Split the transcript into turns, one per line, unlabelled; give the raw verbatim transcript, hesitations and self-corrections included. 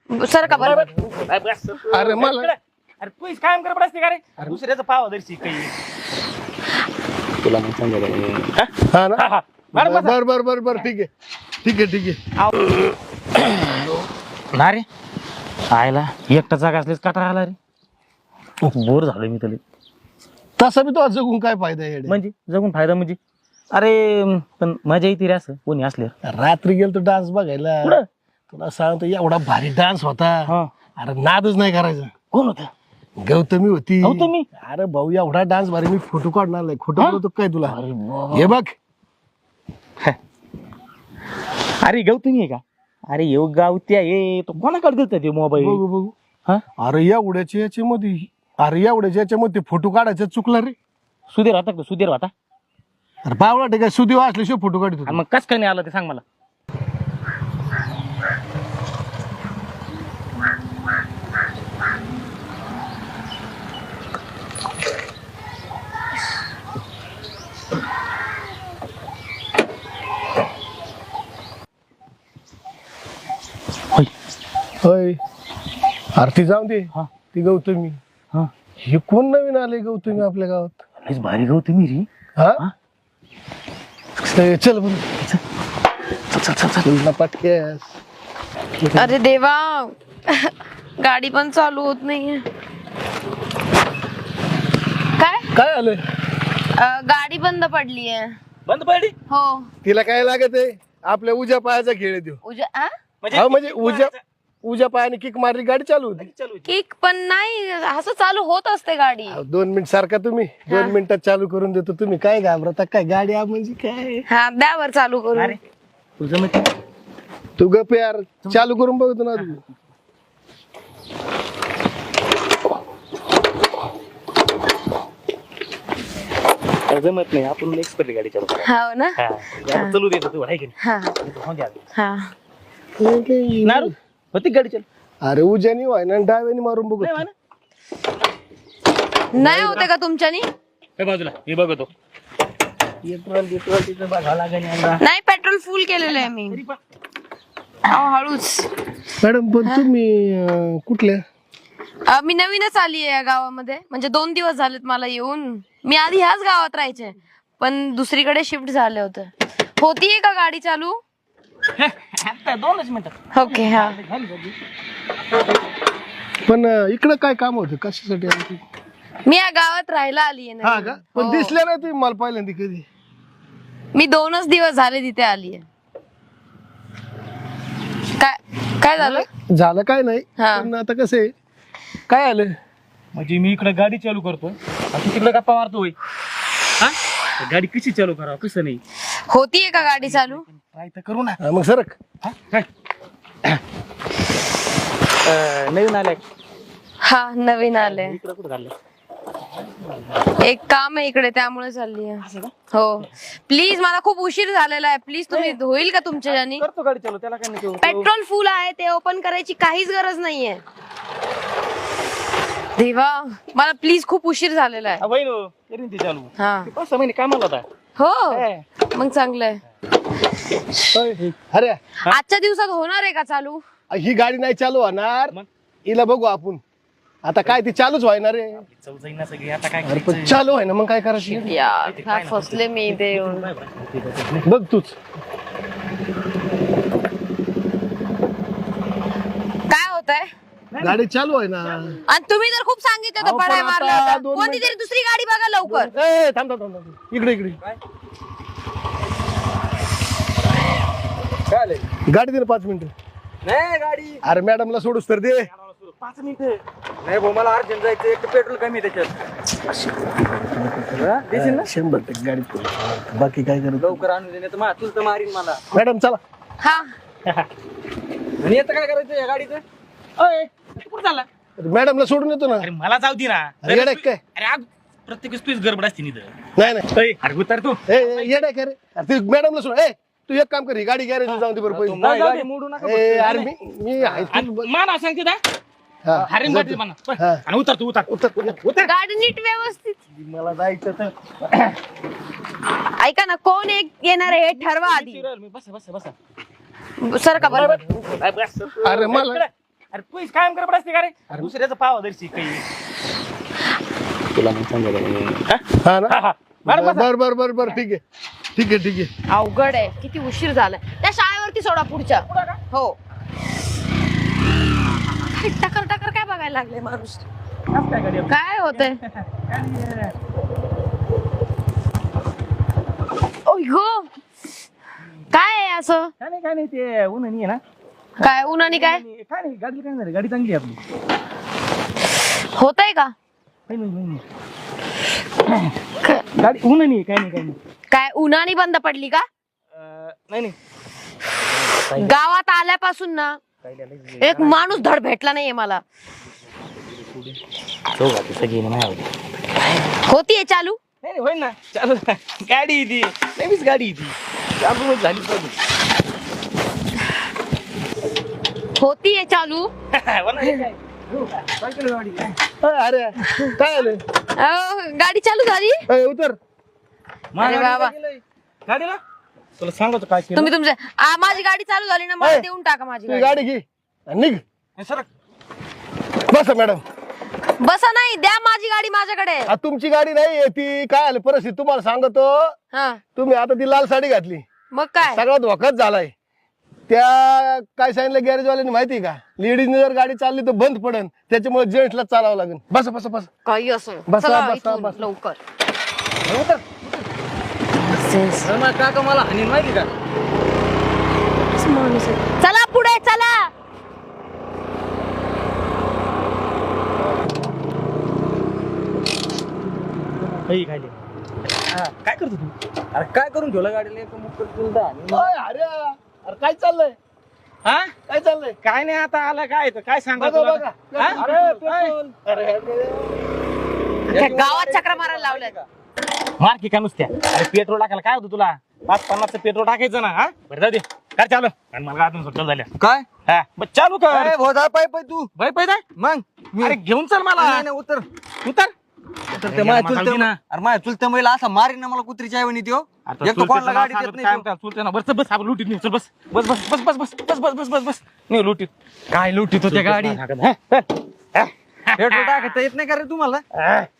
Sir का बरं
अरे मला
अरे तू कायम कर पडस का रे दुसऱ्याचं पाव दर्शी काही तुला मग समजा
हा ना बर बर बर बर ठीक आहे ठीक आहे ठीक आहे
ना रे आयला एकटा जागा असलेच कटाळा आला रे बोर झालोय मी तरी
तसा बी तो जगून काय फायदा आहे
म्हणजे जगून फायदा म्हणजे अरे पण मजा येते रे असं कोणी असले
रात्री गेलो तो डान्स बघायला तुला सांगतो एवढा भारी डान्स होता अरे नादच नाही करायचा
कोण होता
गौतमी होती
गौतमी?
अरे भाऊ एवढा डान्स भारी मी फोटो काढणार नाही खोटं बोलतो काय तुला हे बघ
अरे गौतमी आहे का अरे येऊ गावती आहे तो कोणाकडे देतात ते मोबाईल
बघू बघू
हा
अरे एवढ्याच्या याच्यामध्ये अरे एवढ्याच्या याच्यामध्ये फोटो काढायचा चुकला रे
सुधीर होता का सुधीर होता
अरे बावळा ठीक आहे सुदेव असल्याशिवाय फोटो काढतो
आणि मग कस काय नाही आलं ते सांग मला
होय अरे ती जाऊ दे
हा.
ती गौतमी
हा
हे कोण नवीन आले गौतमी आपल्या गावात
लयच भारी गौतमी रे
हा
हा?
चल चल बरं
चल चल चल चल
तुला पटकेस
अरे देवा गाडी पण चालू होत नाहीये काय
काय आलं
अं, गाडी बंद पडली आहे
बंद पडली
हो
तिला काय लागत आहे आपल्या उज्या पायाचा खेळ आहे तो
उजा आ?
हा म्हणजे उज्या उज्या पायाने किक मारली गाडी चालू होती
किक पण नाही असं चालू होत असते गाडी
अहो, दोन मिनिट सारखा तुम्ही दोन मिनिटात चालू करून देतो तुम्ही काय घाबरता काय गाडी आ म्हणजे काय
हा द्यावर चालू करू
तुझं मग
तू गप यार चालू करून बघतो ना तू
जमत नाही आपण एक्सपर्ट गाडी चालू
हो ना
चालू देतो तू आहे की
हा हा
नाही नारू होती गाडी चालू
अरे उज्यानी व्हाय ना डाव्यानी मारून बघू
नाही होते का तुमच्यानी
काय बाजूला मी बघतो
नाही पेट्रोल फुल केलेलं आहे मी अहो, हळूच
मॅडम पण तुम्ही अं, कुठल्या
अं, मी नवीनच आली आहे या गावामध्ये म्हणजे दोन दिवस झालेत मला येऊन मी आधी ह्याच गावात राहायचे पण दुसरीकडे शिफ्ट झाले होते होतीये का गाडी चालू
दोनच मिनिटात
ओके हा
पण अं, इकडं काय काम होतं कशासाठी आली ती?
मी या गावात राहायला आली आहे
हा का पण दिसल्या नाही तुम्ही मला पहिल्यांदा कधी
मी दोनच दिवस झाले तिथे आली आहे काय काय झालं
झालं काय नाही
हा.
पण आता कसं आहे काय आलं
म्हणजे मी इकडे गाडी चालू करतोय आणि तू तिकडे गप्पा मारतोय हा गाडी कशी चालू करावं कसं नाही
होतीये का गाडी चालू
ट्राय तर करू ना
हा, मग सरक
हा? काय अं, नवीन आलाय
हा नवीन आले
इकडे कुठं घाललं
एक काम आहे इकडे त्यामुळे चालली आहे हो प्लीज मला खूप उशीर झालेला आहे प्लीज तुम्ही होईल का तुमच्या ज्यानी
करतो गाडी चालू त्याला काय नाही
पेट्रोल फुल आहे ते ओपन करायची काहीच गरज नाहीये देवा मला प्लीज खूप उशीर झालेला आहे
बहीण करीन ती चालू
हा
पाच सहा महिने कामाला होता
हो मग चांगलंय
होय. अरे
आजच्या दिवसात होणार आहे का चालू
ही गाडी नाही चालू होणार
मग?
हिला बघू आपण आता काय ती चालूच व्हायना रे
चव जाईन ना सगळी आता काय
अरे पण चालू आहे ना मग काय करायचं
यार काय फसले मी इथे येऊन
बघ तूच
काय होतंय
गाडी चालू आहे ना
आणि तुम्ही तर खूप सांगितलं
अहो,
होतं पळाय
पण
मारला
आता
होता
दोन
कोणती
मिनिटं-
तरी दुसरी गाडी बघा लवकर
ए, थांब थांब थांब थांब. इकडे इकडे
काय
गाडी दे ना पाच मिनिटं
नाही गाडी
अरे मॅडमला सोडूस तर दे
पाच मिनिट नाही भाऊ मला अर्जंट जायचं एक पेट्रोल कमी त्याच्यात देशील ना
शंभर टक्के गाडी पुढे. बाकी काय करत
लवकर आणून देणे तर तुला तर मारीन मला
मॅडम चला
हा
आणि आता काय करायचं या गाडीचं अय कुठं चालला
मॅडमला सोडून येतो ना
अरे मला जाऊ दे ना
अरे येडा काय
अरे आज प्रत्येक तुझीच गडबड असते निध
नाही नाही
अरे उतर तू
ए, ए, येडा काय रे अरे ते मॅडमला सोड ए तू एक काम कर ही गाडी गॅरेज जाऊन दे बरं
नाही,
पहिले
गाडी मोडू नका
ए अरे मी मी आहे
आणि
तू-
माना सांगते ना
हा,
हरेम गाडी माना
हा.
आणि उतर तू उतर
उतर उतर.
उतर
गाडी नीट व्यवस्थित
मला जायचं तर
ऐका ना कोण एक येणार आहे हे ठरवा आधी
बस बस बस
सर का बरं
बस
अरे मला
अरे तू कायम कर असते का रे दुसऱ्याचं पाव दर्शी काही तुला मग समजा
हा ना बर बर बर बर बर ठीक आहे ठीक आहे ठीक आहे.
अवघड आहे, किती उशीर झालाय. त्या शाळेवरती सोडा पुढच्या. हो काय टकर टकर काय बघायला लागले माणूस. काय होतंय ओय गो, काय आहे असं?
काय नाही काय नाही ते ऊन आहे ना
काय उन्हाने काय
काय नाही गाडी काय नाही गाडी चांगली आहे आपली
होतंय का?
काही नाही, काही नाही. गाडी ऊन नाही काय नाही काय नाही
काय उन्हाने बंद पडली का?
अं, नाही नाही
गावात आल्यापासून ना एक माणूस धड भेटला नाहीये मला.
सगळी नाही
होतीये चालू?
नाही होईल ना चालू गाडी आहे ती नवीच गाडी आहे ती चालू झाली पाहिजे
होतीये चालू?
अरे काय आलं
अहो, गाडी चालू झाली?
अय, उतर.
अरे बाबा,
गाडीला तुला सांगतो काय केलं
तुम्ही तुमचे आ, माझी गाडी चालू झाली ना, मला
अय,
देऊन टाका माझी
तुझी
गाडी.
गाडी घे आणि निघ.
सर
बसा मॅडम.
बसा नाही, द्या माझी गाडी माझ्याकडे.
आ, तुमची गाडी नाही ती काय आलं परिस्थिती तुम्हाला सांगतो.
हा
तुम्ही आता ती लाल साडी घातली,
मग काय?
सगळा धोकाच झालाय. त्या काय सांगितलं गॅरेजवाल्यांनी माहिती का, लेडीजने जर गाडी चालली तर बंद पडन, त्याच्यामुळे जेंट्सला चालावं लागेल. बसा बसा बसा.
काही असं
बसा,
चला
बसा,
इथून
बसा.
लवकर.
काका मला आणि माहिती का
चला पुढे चला.
काही खाली काय करतो तू अरे काय करून ठेवला गाडीला एक मुक्क तुला
अय, अरे अरे काय चाललंय
हा
काय चाललंय
काय नाही आता आला काय तर काय सांगा
बघा,
तुला
बघा.
हा?
अरे, पेट्रोल. अरे,
त्या गावात चक्र मारायला लावलंय.
मार की का नुसत्या अरे पेट्रोल टाकायला काय होतं तुला पाच पन्नासचं पेट्रोल टाकायचं ना हा बरं जाऊ दे काय चालू आणि मला अजून सुट्ट्या झाल्या
काय
हा बस चालू कर
अरे भोदा पाय पाय तू
बाई पाहिजे
मग मी-
अरे घेऊन चल मला
नाही, नाही, उतर
उतर
तर
अरे
ते माझ्या
मला
चुलत्या
ना.
अरे माझ्या चुलत्या महिला असा मारीन ना मला कुत्रीच्या ऐवणी त्यो
आता
एक तर कोणाला गाडी देत नाही त्यो.
चुलते ना बस बस आपण लुटीत नाही चल बस बस बस बस बस बस बस बस बस बस बस नाही लुटीत
काय लुटीत होत्या गाडी
हा, हा.
पेट्रोल टाकता येत नाही का रे तुम्हाला